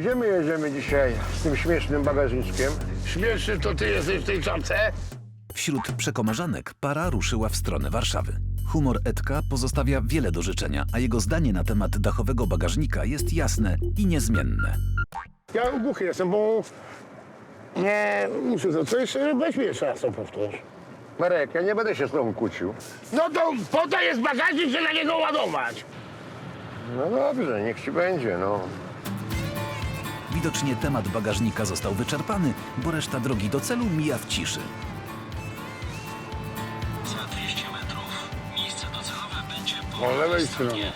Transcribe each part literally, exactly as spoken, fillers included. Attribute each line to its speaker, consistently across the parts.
Speaker 1: Gdzie my jedziemy dzisiaj z tym śmiesznym bagażniczkiem?
Speaker 2: Śmieszny to ty jesteś w tej czapce?
Speaker 3: Wśród przekomarzanek para ruszyła w stronę Warszawy. Humor Edka pozostawia wiele do życzenia, a jego zdanie na temat dachowego bagażnika jest jasne i niezmienne.
Speaker 2: Ja głuchy jestem, bo nie muszę to coś, weź mi jeszcze raz to powtórz.
Speaker 1: Marek, ja nie będę się z tobą kłócił.
Speaker 2: No to po to jest bagażnik, żeby na niego ładować.
Speaker 1: No dobrze, niech ci będzie, no.
Speaker 3: Widocznie temat bagażnika został wyczerpany, bo reszta drogi do celu mija w ciszy.
Speaker 4: Za dwieście metrów miejsce docelowe będzie po
Speaker 2: Po lewej stronie.
Speaker 4: stronie.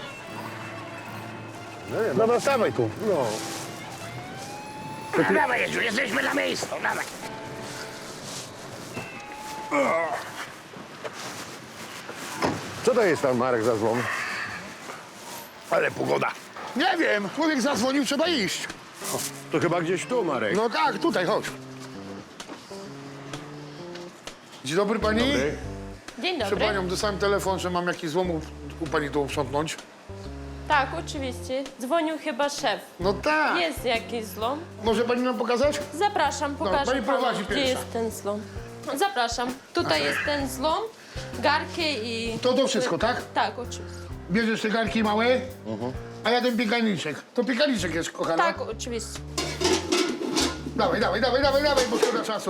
Speaker 1: No nie, no.
Speaker 2: Dobra, stawaj tu.
Speaker 1: no.
Speaker 2: No, dawaj, Jezu, jesteśmy na miejscu, dawaj.
Speaker 1: Co to jest tam, Marek, za złom?
Speaker 2: Ale pogoda. Nie wiem, człowiek zadzwonił, trzeba iść.
Speaker 1: To chyba gdzieś tu, Marek.
Speaker 2: No tak, tutaj, chodź. Dzień dobry pani.
Speaker 1: Dobry.
Speaker 5: Dzień
Speaker 2: Proszę
Speaker 5: dobry.
Speaker 2: panią, dostałem telefon, że mam jakiś złom u, u pani tu uprzątnąć.
Speaker 5: Tak, oczywiście. Dzwonił chyba szef.
Speaker 2: No tak.
Speaker 5: Jest jakiś zlom.
Speaker 2: Może pani nam pokazać?
Speaker 5: Zapraszam, pokażę
Speaker 2: pani
Speaker 5: panu,
Speaker 2: prowadzi
Speaker 5: gdzie
Speaker 2: pierwsza.
Speaker 5: jest ten zlom. Zapraszam. Tutaj jest ten zlom, garki i...
Speaker 2: To to wszystko, tak?
Speaker 5: Tak, oczywiście.
Speaker 2: Bierzesz te garki małe, a ja ten piekarniczek. To piekarniczek jest, kochana.
Speaker 5: Tak, oczywiście.
Speaker 2: Dawaj, dawaj, dawaj, dawaj, dawaj, bo szkoda czasu.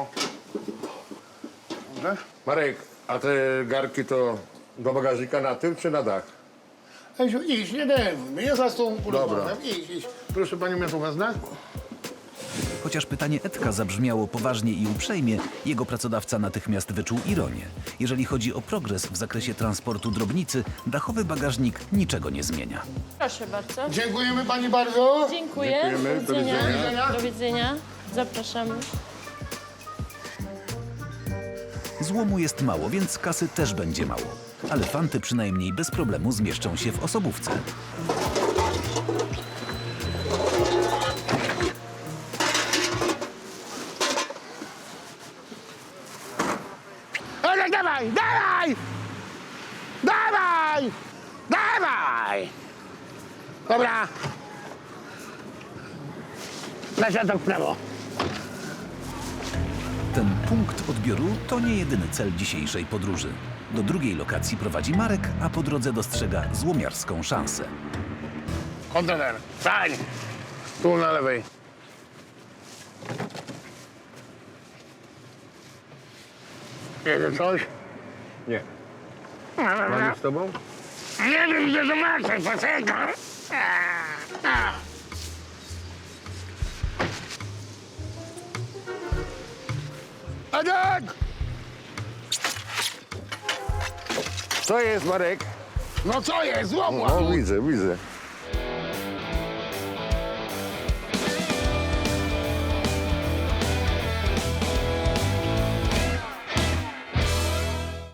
Speaker 2: Dobrze?
Speaker 1: Marek, a te garki to do bagażnika na tył czy na dach?
Speaker 2: Ejsiu, idź, nie denerwuj mnie, ja zaraz z tobą porozmawiam. Idź, idź. Proszę panią, ja tu wezmę.
Speaker 3: Chociaż pytanie Edka zabrzmiało poważnie i uprzejmie, jego pracodawca natychmiast wyczuł ironię. Jeżeli chodzi o progres w zakresie transportu drobnicy, dachowy bagażnik niczego nie zmienia.
Speaker 5: Proszę bardzo.
Speaker 2: Dziękujemy pani bardzo.
Speaker 5: Dziękuję.
Speaker 1: Dziękujemy. Do
Speaker 2: widzenia.
Speaker 5: Do widzenia. Zapraszamy.
Speaker 3: Złomu jest mało, więc kasy też będzie mało. Ale fanty przynajmniej bez problemu zmieszczą się w osobówce.
Speaker 2: Ale dawaj, dawaj! Dawaj! Dawaj! Dobra. Na środek w prawo.
Speaker 3: Ten punkt odbioru to nie jedyny cel dzisiejszej podróży. Do drugiej lokacji prowadzi Marek, a po drodze dostrzega złomiarską szansę.
Speaker 2: Kontener. Stań. Tu na lewej. Jedzie coś?
Speaker 1: Nie. Mam z tobą?
Speaker 2: Nie wiem, gdzie zobaczę, poczekam. Edek!
Speaker 1: Co jest, Marek?
Speaker 2: No co jest? Złomu!
Speaker 1: No, widzę, widzę.